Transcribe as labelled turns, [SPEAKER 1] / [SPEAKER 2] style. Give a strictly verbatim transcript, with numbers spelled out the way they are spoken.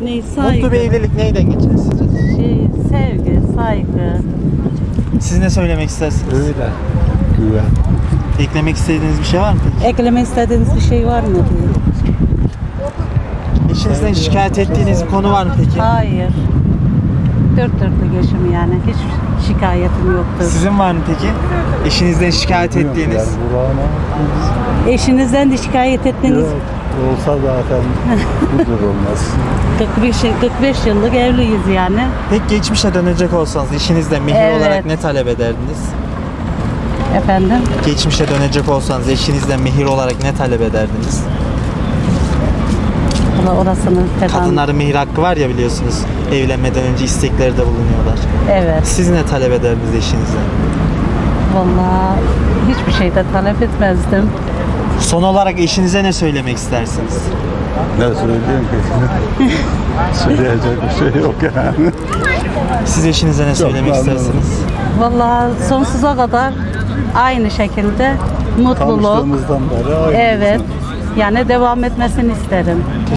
[SPEAKER 1] Ne, saygı.
[SPEAKER 2] Mutlu bir evlilik neyden geçer sizce?
[SPEAKER 1] Şey, sevgi, saygı.
[SPEAKER 2] Siz ne söylemek istersiniz?
[SPEAKER 3] Öyle. Güven.
[SPEAKER 2] Eklemek istediğiniz bir şey var mı peki?
[SPEAKER 1] Ekleme istediğiniz bir şey var mı diye.
[SPEAKER 2] Eşinizden şikayet ettiğiniz bir konu var mı peki?
[SPEAKER 1] Hayır. Dört dörtlük eşim yani. Hiç şikayetim yoktur.
[SPEAKER 2] Sizin var mı peki? Eşinizden şikayet ettiğiniz?
[SPEAKER 3] Yani Burak'ına
[SPEAKER 1] Eşinizden de şikayet ettiğiniz
[SPEAKER 3] yok. Olsa zaten budur olmaz.
[SPEAKER 1] kırk beş, kırk beş yıllık evliyiz yani.
[SPEAKER 2] Peki geçmişe dönecek olsanız eşinizden mehir
[SPEAKER 1] Evet.
[SPEAKER 2] olarak ne talep ederdiniz?
[SPEAKER 1] Efendim?
[SPEAKER 2] Geçmişe dönecek olsanız eşinizden mehir olarak ne talep ederdiniz?
[SPEAKER 1] Valla orasını falan.
[SPEAKER 2] Kadınların mehir hakkı var ya biliyorsunuz. Evlenmeden önce istekleri de bulunuyorlar.
[SPEAKER 1] Evet.
[SPEAKER 2] Siz ne talep ederdiniz eşinizden?
[SPEAKER 1] Valla hiçbir şey de talep etmezdim.
[SPEAKER 2] Son olarak eşinize ne söylemek istersiniz?
[SPEAKER 3] Ne söyleyeyim ki? Söyleyecek bir şey yok yani.
[SPEAKER 2] Siz eşinize ne söylemek
[SPEAKER 3] memnunum.
[SPEAKER 2] istersiniz?
[SPEAKER 1] Valla sonsuza kadar aynı şekilde mutluluk.
[SPEAKER 3] Tanıştığımızdan beri aynı.
[SPEAKER 1] Evet. Yani devam etmesini isterim.